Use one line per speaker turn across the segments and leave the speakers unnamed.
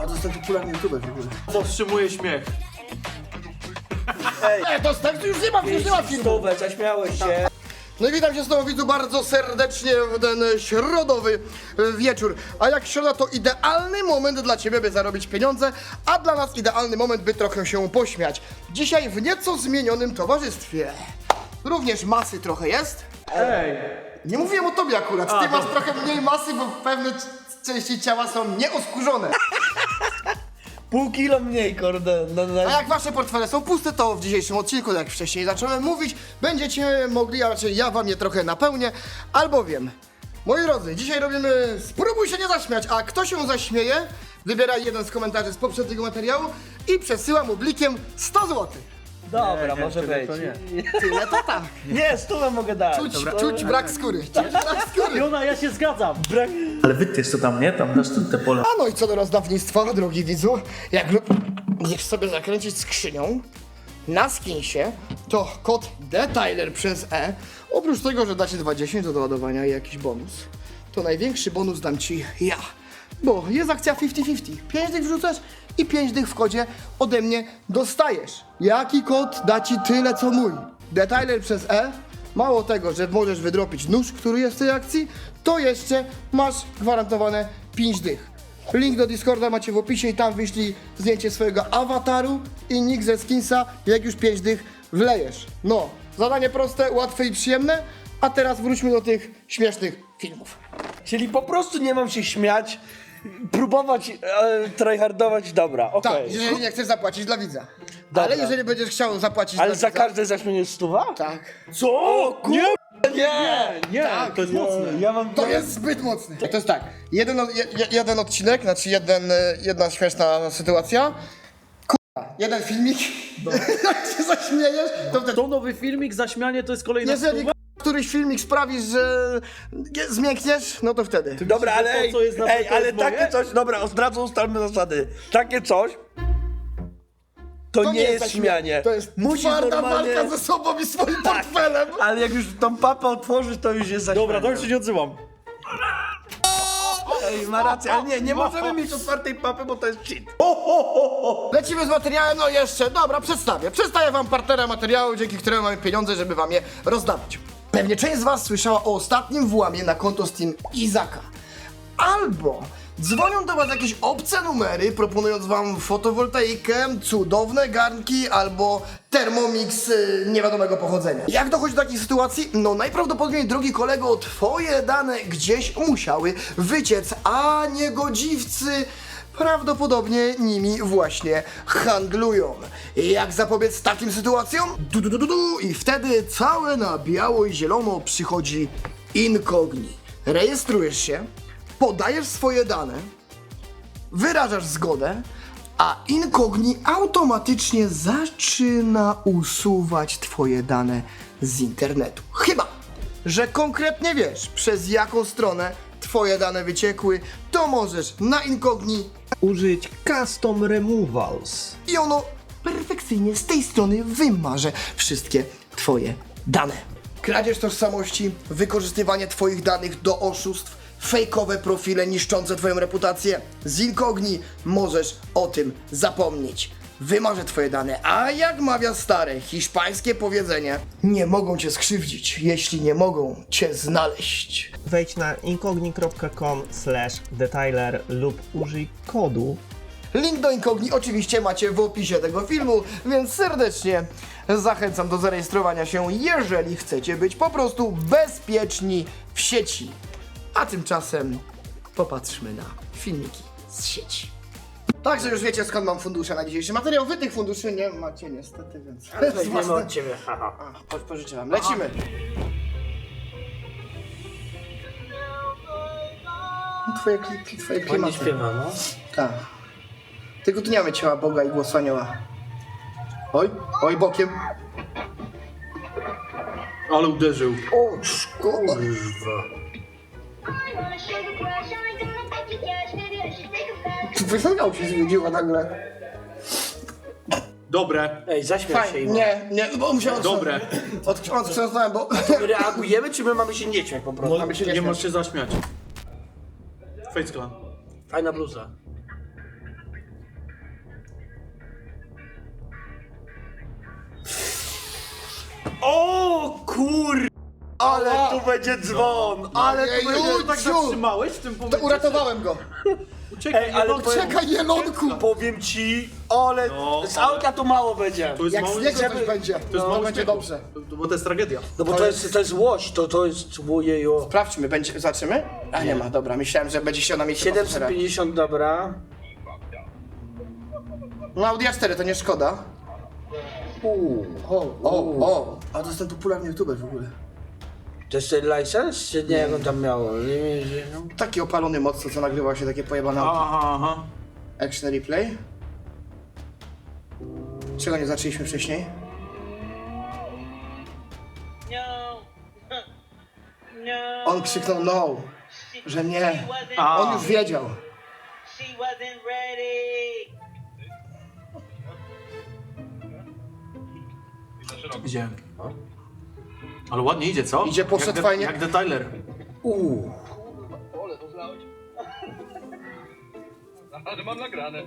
A to jest taki popularny youtuber w ogóle.
Powstrzymuję śmiech.
To z tekstu już nie ma filmu.
Stówę, zaśmiałeś się.
No i witam cię znowu widzu bardzo serdecznie w ten środowy wieczór. A jak środa to idealny moment dla ciebie, by zarobić pieniądze, a dla nas idealny moment, by trochę się pośmiać. Dzisiaj w nieco zmienionym towarzystwie. Również masy trochę jest.
Ej!
Nie mówiłem o tobie akurat, ty masz trochę mniej masy, bo pewne części ciała są nieoskurzone.
Pół kilo mniej, kurde.
A jak wasze portfele są puste, to w dzisiejszym odcinku, jak wcześniej zacząłem mówić, będziecie mogli, a raczej ja wam je trochę napełnię, albowiem, moi drodzy, dzisiaj robimy spróbuj się nie zaśmiać, a kto się zaśmieje, wybiera jeden z komentarzy z poprzedniego materiału i przesyła mu blikiem 100 zł.
Dobra, może być.
to nie.
Tyle to tak.
Nie, stówę mogę dać.
Czuć brak skóry. Czuć brak skóry.
Jona, ja się zgadzam!
Ale wytniesz to tam, nie? Tam dasz te pole.
A no i co do rozdawnictwa, drogi widzu, jak lubisz sobie zakręcić skrzynią na skinsie, to kod Detailer przez E, oprócz tego, że dacie 20 do doładowania i jakiś bonus, to największy bonus dam ci ja, bo jest akcja 50-50. 5 dych wrzucasz i 5 dych w kodzie ode mnie dostajesz. Jaki kod da ci tyle co mój? Detailer przez E. Mało tego, że możesz wydropić nóż, który jest w tej akcji, to jeszcze masz gwarantowane 5 dych. Link do Discorda macie w opisie i tam wyślij zdjęcie swojego awataru i nick ze skinsa, jak już 5 dych wlejesz. No, zadanie proste, łatwe i przyjemne, a teraz wróćmy do tych śmiesznych filmów.
Czyli po prostu nie mam się śmiać, próbować tryhardować, dobra, okej.
Tak, jeżeli nie chcesz zapłacić dla widza.
Dobra.
Ale jeżeli będziesz chciał zapłacić
Ale
dla
za
widza,
każde zaśmienie jest stuwa?
tak.
Co? Nie!
Nie,
Tak,
to jest mocne.
Ja mam...
To jest zbyt mocne. To jest tak, jeden odcinek, znaczy jedna śmieszna sytuacja. Jeden filmik, jak się zaśmiejesz, to wtedy...
To nowy filmik, zaśmianie to jest kolejna
Jeżeli
stuwa?
któryś filmik sprawisz, że zmiękniesz, no to wtedy.
Dobra, ale
to,
ej,
co jest na
ej,
to
ale
jest
takie
moje?
coś, dobra, od razu ustalmy zasady. Takie coś, to nie jest śmianie.
To jest
Musisz
twarda
normalnie...
walka ze sobą i swoim portfelem.
Ale jak już tą papę otworzysz, to już jest zaśmianie.
Dobra, to już się nie odzywam.
Ej, ma rację, ale nie możemy mieć otwartej papy, bo to jest cheat.
Lecimy z materiałem, no jeszcze, dobra, przedstawię wam partnera materiału, dzięki któremu mamy pieniądze, żeby wam je rozdawać. Pewnie część z was słyszała o ostatnim włamie na konto Steam Izaka. Albo dzwonią do was jakieś obce numery, proponując wam fotowoltaikę, cudowne garnki albo Thermomix niewiadomego pochodzenia. Jak dochodzi do takiej sytuacji? No najprawdopodobniej, drogi kolego, twoje dane gdzieś musiały wyciec, a niegodziwcy prawdopodobnie nimi właśnie handlują. Jak zapobiec takim sytuacjom? I wtedy całe na biało i zielono przychodzi Incogni. Rejestrujesz się, podajesz swoje dane, wyrażasz zgodę, a Incogni automatycznie zaczyna usuwać twoje dane z internetu. Chyba że konkretnie wiesz, przez jaką stronę twoje dane wyciekły, to możesz na Incogni
użyć Custom Removals.
i ono perfekcyjnie z tej strony wymarze wszystkie twoje dane. Kradzież tożsamości, wykorzystywanie twoich danych do oszustw, fejkowe profile niszczące twoją reputację. Z Incogni możesz o tym zapomnieć. Wymarzę twoje dane, a jak mawia stare hiszpańskie powiedzenie, nie mogą cię skrzywdzić, jeśli nie mogą cię znaleźć.
Wejdź na incogni.com/detailer lub użyj kodu.
Link do Incogni oczywiście macie w opisie tego filmu, więc serdecznie zachęcam do zarejestrowania się, jeżeli chcecie być po prostu bezpieczni w sieci. A tymczasem popatrzmy na filmiki z sieci. Także już wiecie, skąd mam fundusze na dzisiejszy materiał. Wy tych funduszy nie macie niestety, więc...
Weźmiemy od ciebie.
Pożyczę wam. Lecimy. No, twoje klimaty.
Ładnie śpiewa, no.
Tak. Tylko tu nie mamy ciała Boga i głosu anioła. Oj, bokiem.
Ale uderzył.
O, szkoda. Czy piosenka się zwiedziła nagle?
Dobre.
Ej, zaśmiał się im.
Nie, bo musiałem...
Dobre.
Odtrząsnąłem, bo...
Reagujemy, czy my mamy się nie śmiać po prostu?
Mamy się
Nie
nie
możesz się zaśmiać. Face clan.
Fajna bluza. O kur... Ale tu będzie dzwon! Ale tu będzie...
Tak zatrzymałeś w tym
To
momencie?
uratowałem go.
Uciekaj,
Ej, ale
Jelonku.
powiem-
Czekaj, Jelonku!
Powiem ci, ale
No,
z auta to mało będzie.
To jest
Jak
mały
z niego
śmiech.
coś będzie,
To jest
to
mały
będzie
śmiechu.
dobrze.
Bo to jest tragedia.
No bo to jest łoś, to jest ojejo.
Sprawdźmy, będzie, zobaczymy? A nie ma, dobra, myślałem, że będzie się na miejscu pasażera.
750, dobra.
No Audi A4 to nie szkoda. O, a to jest ten popularny youtuber w ogóle.
To jest ten license, czy nie, jak on tam miał?
Taki opalony mocno, co nagrywał się takie pojebane auto.
Aha.
Action replay. Czego nie zaczęliśmy wcześniej?
No. No.
On krzyknął no, że nie.
A.
On już wiedział.
She wasn't ready.
Idzie. Ale ładnie idzie, co?
Idzie, poszedł
jak
fajnie.
Jak detailer.
Ale mam nagrane.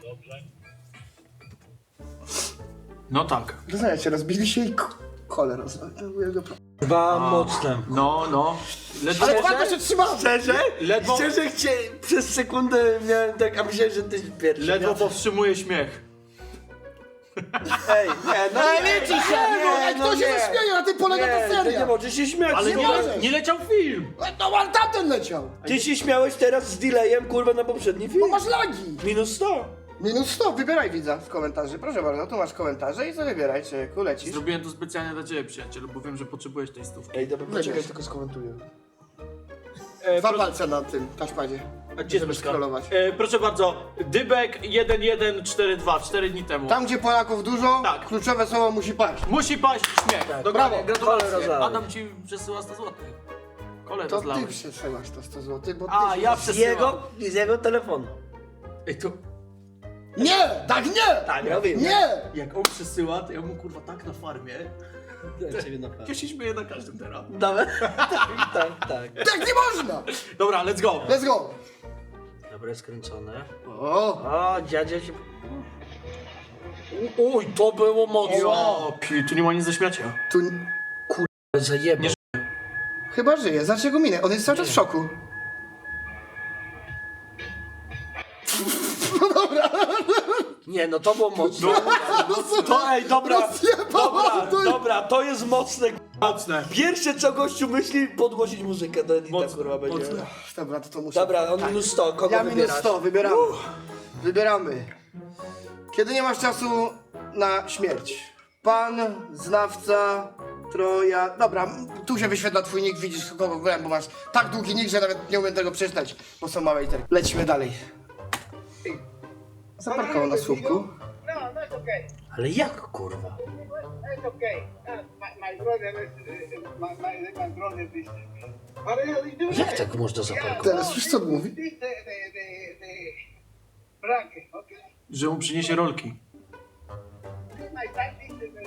No tak.
Rozumiecie, rozbili się i kole rozwalił.
Chyba mocne.
No. Ledwo,
Ale twardo się trzymał!
Szczerze?
Ledwo-
Szczerze przez sekundę miałem tak, a myślałem, że ty pierwszy.
ledwo powstrzymuje śmiech.
Ej, nie, no
Ale
nie,
liczy się!
nie,
Kto się zaśmieje, na tym polega ta
nie, ty
seria!
nie możesz się śmiać.
Ale
nie możesz.
nie leciał film.
No ale tamten leciał!
Ty się śmiałeś teraz z delayem, kurwa, na poprzedni film.
Bo masz lagi!
Minus 100.
Minus 100, wybieraj widza w komentarzy. Proszę bardzo, tu masz komentarze i sobie wybieraj, czy lecisz.
Zrobiłem to specjalnie dla ciebie, przyjacielu, bo wiem, że potrzebujesz tej stówki.
Ej, dobra,
Poczekaj,
poczekaj.
tylko skomentuję.
E,
Dwa
pro-
palce na tym touchpadzie.
A gdzie jest
żeby
myszka?
scrollować.
Proszę bardzo, Dybek 1142, 4 dni temu.
Tam, gdzie Polaków dużo,
Tak.
kluczowe słowo musi paść.
Musi paść śmiech.
Tak.
Dokładnie,
Brawo.
gratulacje.
Kole rozlałeś.
Adam ci przesyła 100 zł. Kole
To
rozlałeś.
ty przesyłasz to 100 zł, bo ty
A,
się...
ja
Z
przesyłam.
jego telefonu.
Ej, to
Nie! Tak nie!
Tak, ja wiem.
Nie!
jak on przesyła, to ja mu kurwa tak na farmie.
Ciebie na pewno.
Ja się śmieję na każdym teraz.
Dobra, tak.
Tak nie można!
Dobra, let's go.
Let's go!
Dobra, skręcone.
O!
O, dziadzia się... Uj, to było mocno.
O, tu nie ma nic ze śmiacia.
Tu...
Zajebał.
Chyba żyje, znaczy jego minę, on jest cały czas w szoku.
Nie, no to było mocne.
No
To ej, dobra,
rozjebała, to jest-
dobra, to jest mocne.
Mocne.
Pierwsze co gościu myśli, podgłosić muzykę do Edita,
Mocne,
kurwa będzie.
mocne.
Dobra, to muszę...
Dobra, on minus 100, kogo
Ja minus
wybierasz?
100, wybieramy. Wybieramy. Kiedy nie masz czasu na śmierć. Pan, znawca, Troja... Dobra, tu się wyświetla twój nick, widzisz kogo wybrałem, bo masz tak długi nick, że nawet nie umiem tego przeczytać, bo są małe litery. Lecimy dalej. Zaparkował na słupku.
No, that's okay.
Ale jak kurwa?
That's okay. My brother is my brother is. What the hell is doing?
Jak tak można zaparkować?
Teraz już co on mówi?
This the Frankie, okay?
Że mu przyniesie rolki.
My tactics is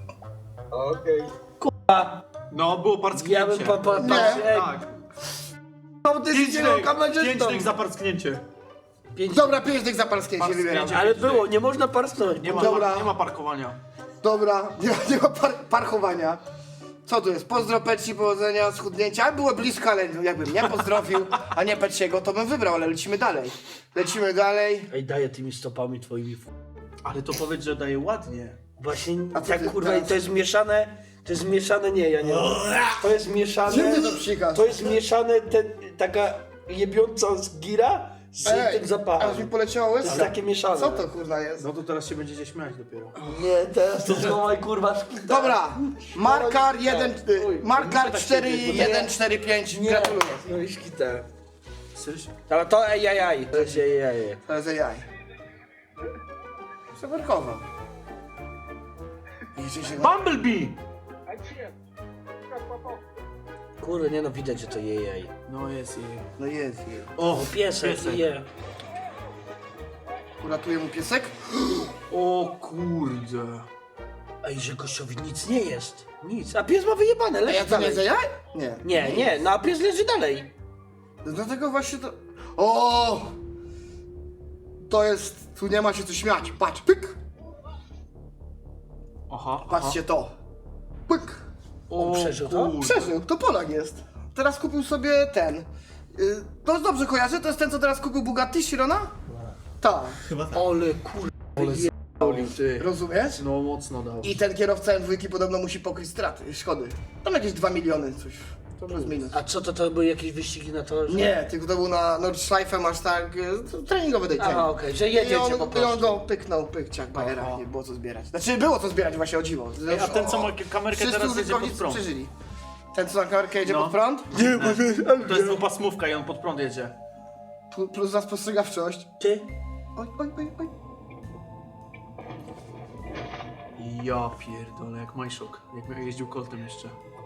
okay.
No, było
Ja
parsknięcie.
bym patrzył,
Tak.
no ty jesteś kamerzystą.
5 dych za parsknięcie.
Dobra, 5 dych za parsknięcie
Parsknięcie.
wybieram.
Ale było, nie można parsknąć.
Nie ma,
Dobra.
nie ma parkowania.
Dobra, nie ma parkowania. Co tu jest? Pozdro Peci, powodzenia, schudnięcia. Było blisko, ale jakbym nie pozdrowił, a nie Peciego, to bym wybrał, ale lecimy dalej. Lecimy dalej.
Ej, daję tymi stopami twoimi.
Ale to powiedz, że daje ładnie.
Właśnie,
A co
tak
ty
kurwa,
teraz?
i to jest mieszane, nie, ja nie To jest mieszane,
Czym ty to psikasz?
to jest mieszane, taka jebiąca z gira z tym zapachem.
aż mi poleciało
To jest
łezka.
takie mieszane.
Co to kurwa jest?
No to teraz się będziecie śmiać dopiero.
Nie, teraz to złamaj kurwa szpita.
Dobra, Markar 1,
Uj,
Markar
tak
4145, gratuluję.
No i szkitę.
Serio?
Ale to ejajaj. To jest ejajaj.
To jest AI. Zaparkował. Idzie się na...
Bumblebee!
I see him.
Kurde, nie no, widać, że to ejajaj.
No jest i...
No jest.
O,
O, piesek, je.
Uratuje mu piesek?
O kurde.
Ej, że gościowi nic nie jest. Nic. A pies ma wyjebane,
A
leży
ja to nie
dalej.
jest AI? Nie.
Nie, no a pies leży dalej.
Dlatego właśnie to... O! To jest... Tu nie ma się co śmiać. Patrz, pyk!
Aha,
Patrzcie to. Pyk.
O,
przeżył to?
Przeżył, to Polak jest. Teraz kupił sobie ten. To dobrze kojarzę, to jest ten, co teraz kupił Bugatti Chirona? Tak.
Ole kurwa.
ty.
Rozumiesz?
No mocno dał.
I ten kierowca M2 podobno musi pokryć straty, szkody. Tam jakieś 2 miliony, coś. To plus minus.
A co to były jakieś wyścigi na torze?
Nie, tylko to był na Nordschleife masz tak treningowy dejcie.
Aha, okej, że
I
jedziecie
on,
po
i on
prostu.
go pyknął, pykciak, bajera, nie było co zbierać. Znaczy było co zbierać właśnie, o dziwo.
A ten, co ma kamerkę,
Wszyscy
teraz jedzie pod
użytkownicy
prąd.
przeżyli. Ten, co na kamerkę jedzie
No.
pod prąd?
To jest dwupasmówka i on pod prąd jedzie.
Plus za spostrzegawczość.
Ty?
Oj, oj, oj, oj.
Ja pierdolę, jak majszok. Jak jeździł Coltem jeszcze.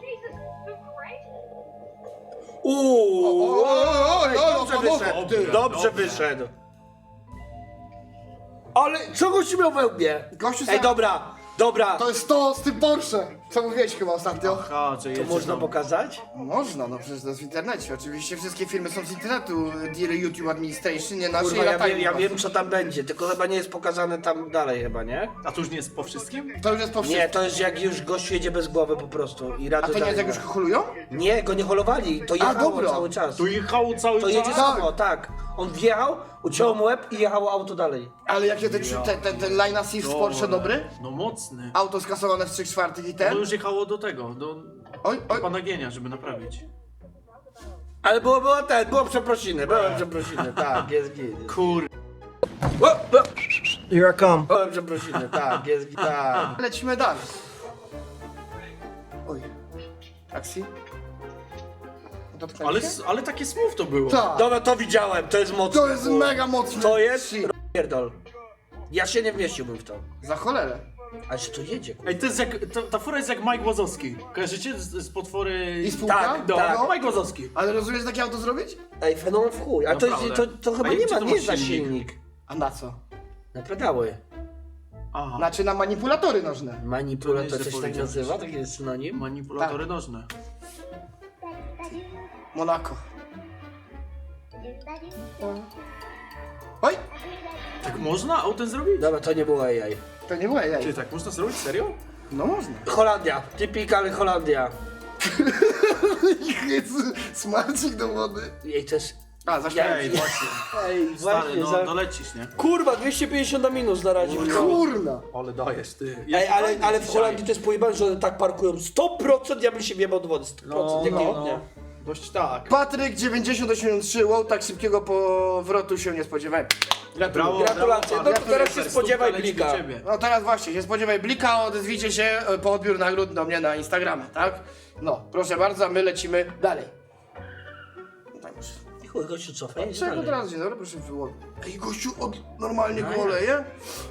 Uuu,
oj,
dobrze
pomogę,
wyszedł.
ty.
Dobrze wyszedł. Ale co gościu miał we mnie?
Gościu
Ej,
za-
dobra. To
To jest to z tym Porsche, co mówiłeś chyba ostatnio.
Aha, że jedzie
można
tam.
pokazać?
Można, no przecież to jest w internecie. Oczywiście wszystkie filmy są z internetu. Dear YouTube Administration, nie nasze
Kurwa,
i latajmy
ja
was.
wiem co tam będzie, tylko chyba nie jest pokazane tam dalej chyba, nie?
A to już nie jest po wszystkim?
To już jest po
Nie,
wszystkim.
to jest jak już gość jedzie bez głowy po prostu i
A
rady
to nie jest jak już holują?
Nie, go nie holowali, to jechało
dobra.
cały czas.
Tu jechało cały
To
czas?
jedzie samo, tak. On wjechał, uciął mu łeb i jechało auto dalej.
Ale jakie ten line assist w Porsche dobry?
No mocny.
Auto skasowane w 3/4 i
To
ten?
już jechało do tego, do
Oj, oj.
pana Gienia, żeby naprawić.
Ale było przeprosiny, tak, jest git.
Kur...
Here I come.
Byłem przeprosiny, tak, jest git, tak.
Lecimy dalej. Oj. Taksi? Dotknęli się?
Ale takie smooth to było.
Tak.
Dobra, to widziałem, to jest mocne.
To jest mega mocne.
To jest
Shit.
pierdol. Ja się nie wmieściłbym w to.
Za cholerę.
Ale że to jedzie, kurwa.
Ej, to jest jak, ta fura jest jak Mike Łazowski. Kojarzycie z potwory...
I spółka?
Tak,
No,
tak.
Mike Łazowski.
Ale rozumiesz, takie auto zrobić?
Ej, fenomen w chuj. A to, jest,
Naprawdę.
to chyba
A
nie
gdzie
ma,
to
nie
masz
jest na
silnik?
silnik.
A na co?
Na pedały.
Aha.
Znaczy na manipulatory nożne.
Manipulator,
To
coś tak
powiedziałeś.
nazywa? Taki jest synonim?
Manipulatory nożne.
Monaco. Oj!
Tak można autem zrobić?
Dobra, to nie było AI.
To nie było
Ty,
jaj.
tak można zrobić? Serio?
No można.
Holandia, typical Holandia.
Jest smarcik do wody.
Ej, to jest...
A,
Ej,
zaśmiałem się.
właśnie.
Ej,
Stary, no dolecisz, nie?
Kurwa, 250 na minus na razie.
Kurna.
Ale dajesz, ty.
Ej, ale w Holandii to jest pojebane, że one tak parkują. 100% ja bym się wjebał do wody. 100%, jakiego dnia.
Dość tak.
Patryk 9083, wow, tak szybkiego powrotu się nie spodziewałem.
Brawo,
Gratulacje.
brawo,
No to
Patryk.
teraz się
Super,
spodziewaj
leci do
blika.
ciebie.
No teraz właśnie, się spodziewaj blika, odezwijcie się po odbiór nagród do mnie na Instagrama, tak? No, proszę bardzo, a my lecimy dalej. No tak już.
I chuj, gościu cofa, jedzie
Czego
dalej.
teraz, dzień dobry, proszę wyłowić. Ej, gościu, normalnie
No
go
ja.
oleje?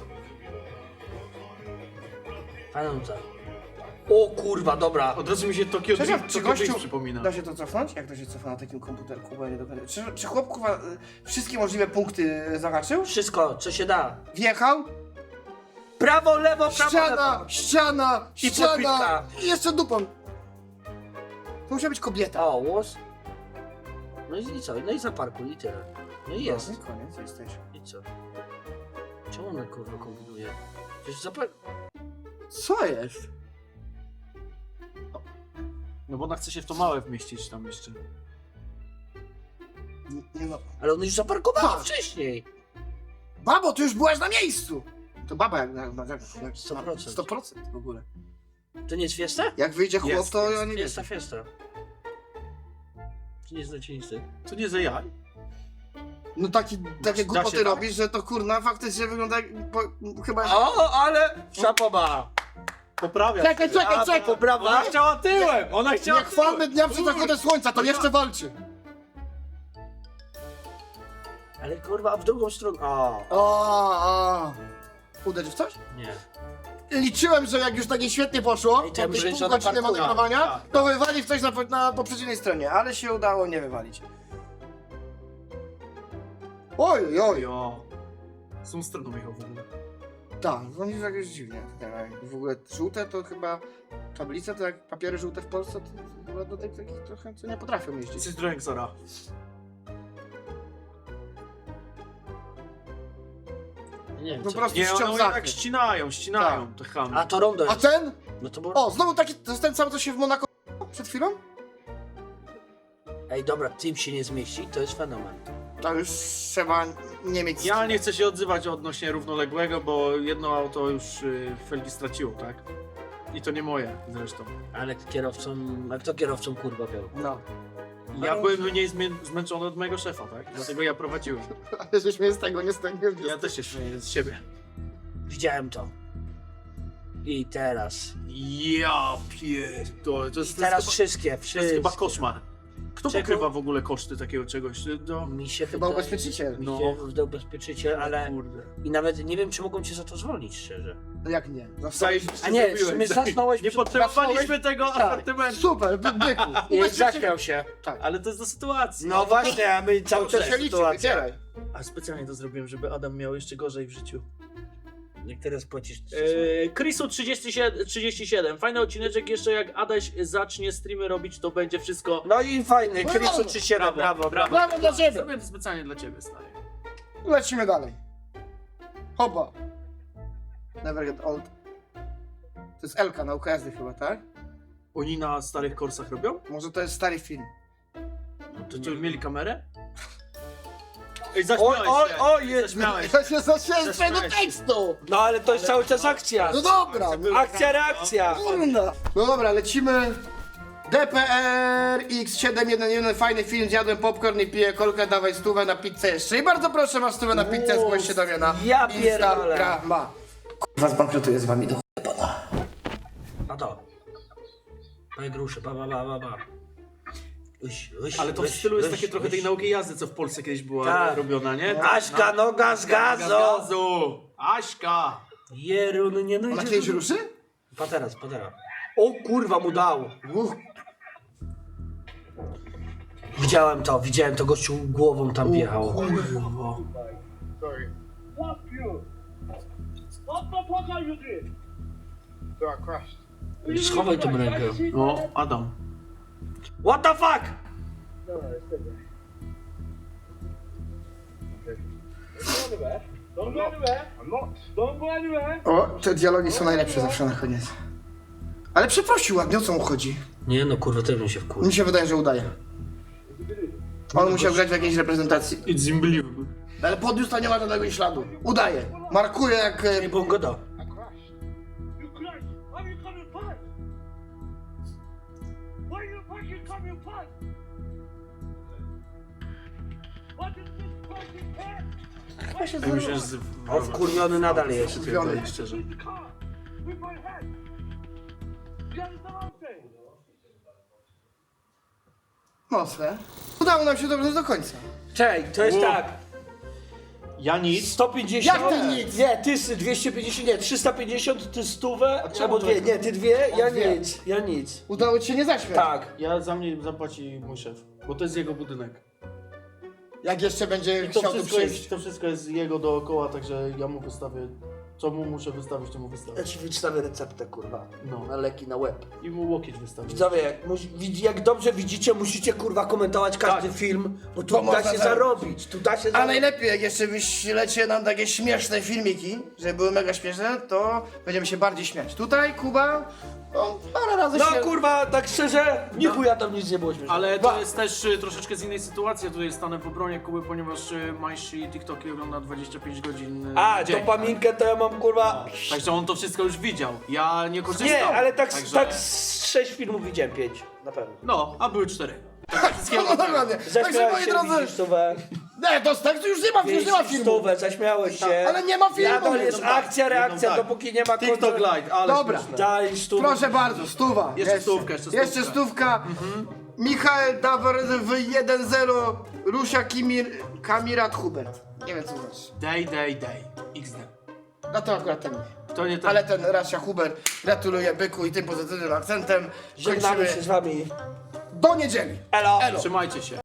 Pamiętam. O kurwa, dobra.
Od razu mi się Tokio
Przepraszam,
Drift,
czy
Tokio Drift
gościu,
przypomina.
da się to cofnąć? Jak to się cofa na takim komputerku, bo ja nie do końca... Czy chłop, kurwa, wszystkie możliwe punkty zahaczył?
Wszystko, co się da.
Wjechał?
Prawo, lewo, prawo,
Ściana,
lewo.
ściana,
I
ściana
podbitka.
i jeszcze dupą. To musiała być kobieta.
O, łos. No i co? No i zaparkuj i tyle. No i jest.
No, i koniec, jesteś.
I co? Czemu ona kurwa kombinuje? Przecież
Co jest?
No bo ona chce się w to małe wmieścić tam jeszcze.
Nie no.
Ale on już zaparkowała
Tak.
wcześniej.
Babo, ty już byłaś na miejscu! To baba jak
100%.
100% w ogóle.
To nie jest fiesta?
Jak wyjdzie chłop,
Jest,
to
jest.
ja nie wiem.
Fiesta. Czy nie znacie nic?
To nie za jaj.
No takie
Da
głupoty
się tak?
robisz, że to kurna faktycznie wygląda jak... chyba...
O, ale szapoba.
Poprawia.
Czekaj, czekaj!
Poprawa.
Ona chciała tyłem! Ona chciała
Nie chwalmy dnia przed zachodem słońca, to jeszcze walczy!
Ale kurwa, a w drugą stronę. O,
O. Uderz w coś?
nie.
Liczyłem, że jak już takie świetnie poszło,
Ej, to
po
ja
tej
myślę,
pół
że ona
godziny
parkuje.
manewrowania,
Tak,
to wywali w coś na poprzedniej stronie, ale się udało nie wywalić. Oj, oj,
Jo. Są stroną Michał w ogóle.
tak, to nie jakieś dziwnie. W ogóle żółte to chyba, tablice to jak papiery żółte w Polsce, to chyba do tych takich trochę, co nie potrafią jeździć.
Citroen Xora.
Nie wiem
Po
co.
prostu
Nie, one
ściągzaky.
tak ścinają te chamy.
A to rondo
A
jest.
ten?
No to było...
O, znowu taki, to jest ten sam, co się w Monako przed chwilą?
Ej, dobra, tym się nie zmieści, to jest fenomen.
To już trzeba nie mieć...
Ja nie chcę się odzywać odnośnie równoległego, bo jedno auto już felgi straciło, tak? I to nie moje zresztą.
Ale kierowcą, a kto kierowcą kurwa był?
No.
Ja byłem mniej zmęczony od mojego szefa, tak? Dlatego ja prowadziłem.
Ale się śmieję z tego, nie z tego.
Ja też się śmieję z siebie.
Widziałem to. I teraz.
Ja pierdolę, to jest,
Teraz
to
wszystkie,
jest
wszystkie.
chyba koszmar. Kto
Czego?
pokrywa w ogóle koszty takiego czegoś? No,
Mi się
Chyba
wydaje,
ubezpieczyciel.
No.
mi się wydaje ubezpieczyciel, ale...
kurde.
I nawet nie wiem, czy mogą cię za to zwolnić, szczerze.
No jak nie?
Zajebiście
A nie,
zrobiłeś,
w sumie zasnąłeś...
Nie potrzebowaliśmy tego asortymentu.
Super, byku.
I zaśmiał się.
Ale to jest do sytuacji.
No właśnie, a my cały czas
się liczy,
sytuacja.
wybieraj.
A specjalnie to zrobiłem, żeby Adam miał jeszcze gorzej w życiu.
Jak teraz płacisz...
Chrisu 37. Fajny odcineczek, jeszcze jak Adaś zacznie streamy robić, to będzie wszystko...
No i fajny,
Brawo.
Krisu 37, brawo, brawo.
Brawo dla ciebie.
Zrobię to specjalnie dla ciebie, stary.
Lecimy dalej. Hopa. Never get old. To jest Elka na UKS chyba, tak?
Oni na starych korsach robią?
Może to jest stary film.
To mieli kamerę? Ej,
Oj,
zaśmiałeś
oj,
się.
oj, jest.
Zaśmiałeś.
Ja się zaśmiałem z twojego
Zaśmiałeś się.
tekstu!
No ale to jest cały czas akcja.
No dobra.
Akcja, reakcja.
Kurna. No dobra, lecimy. DPR X711, fajny film, zjadłem popcorn i piję kolkę, dawaj stówę na pizzę jeszcze. I bardzo proszę, masz stówę na pizzę, zgłoś się do mnie na
Ja pierdolę.
Instagrama. Kurwa, zbankrutuję z wami do chuja pana.
No to. Paj gruszy, ba. Uś,
Ale to w stylu jest takie trochę tej nauki jazdy, co w Polsce kiedyś była
Tak.
robiona, nie?
Aśka, noga z gazu.
gazu! Aśka!
Jerun, nie no
Ona
idzie.
kiedyś ruszy?
Patera. O kurwa mu dał. Widziałem to, gościu głową tam jechał.
Sorry. Fuck you. What the fuck are you doing? So I crashed.
Schowaj tą rękę.
No, Adam.
What the fuck?
No, it's still there. Okay. Don't go anywhere. I'm not. Don't go anywhere.
O, te dialogi są najlepsze zawsze na koniec. Ale przeprosił ładnie, o co mu chodzi?
Nie no kurwa, też bym się wkurzył.
Mi się wydaje, że udaje. On musiał grać w jakiejś reprezentacji.
It's unbelievable.
Ale podniósł, to nie ma żadnego śladu. Udaje. Markuje jak...
Nie bo on go da.
I crashed. You crashed. Why are you coming fast? Why are you fucking coming fast? What is this fucking car?
Ja myślę, że
O wkurwiony nadal jest.
Wkurwiony, szczerze.
In the car with my head. You understand what I'm saying?
Mocne. Udało nam się dobrze do końca.
Czej, to jest
Wow.
tak.
Ja nic.
150.
Jak ty nic?
Nie, ty 250, nie, 350, ty 100, albo
to
dwie.
jest?
Nie, ty dwie, ja
dwie.
nic. Ja nic.
Udało ci się nie zaśmiać.
Tak.
Ja za mnie zapłaci mój szef, bo to jest jego budynek.
Jak jeszcze będzie
I to
chciał tu
wszystko,
przyjść.
jest, to wszystko jest jego dookoła, także ja mu wystawię, co mu muszę wystawić, to mu wystawię.
Ja ci wystawię receptę, kurwa.
No.
Na leki, na łeb.
I mu łokieć wystawię.
Widzowie, jak dobrze widzicie, musicie kurwa komentować każdy
Tak.
film, bo tu
Bo
da
można
się
zarobić.
zarobić. Tu da się
A
zarobić.
najlepiej, jak jeszcze wyślecie nam takie śmieszne filmiki, żeby były mega śmieszne, to będziemy się bardziej śmiać. Tutaj Kuba, no, parę razy
No
się...
kurwa, tak szczerze, nie chuja tam nic nie było śmiesznego.
Ale to jest też troszeczkę z innej sytuacji, ja tutaj stanę w obronie Kuby, ponieważ Majszy TikToki ogląda 25 godzin
A,
na
tą
dzień.
pamiętkę to ja mam kurwa...
Także on to wszystko już widział, ja nie korzystam.
Nie, ale tak,
Także...
tak z 6 filmów widziałem, 5, na pewno.
No, a były 4.
No dokładnie. Także
Zaśmiałeś
moi
się,
drodzy,
widzisz stówę.
nie, to z tekstu już nie ma filmu.
Stówę, zaśmiałeś się.
Ale nie ma filmu.
Nadal jest
Jedną tak,
akcja, reakcja,
jedną tak.
dopóki nie ma
TikTok
końca.
Lite, ale
Dobra.
śmieszne.
Daj stówę.
Proszę bardzo, stuwa.
Jeszcze stówkę, jeszcze stówkę.
stówka. Michał Dawar w 1-0, Rusia Kamirat Hubert. Nie wiem co znaczy.
Day, XD.
No to akurat ten.
To nie ten.
Ale ten Rasia Hubert gratuluję byku i tym pozytywnym akcentem.
Żegnamy
Kończymy
się z wami.
do niedzieli.
Elo.
Elo.
Trzymajcie się.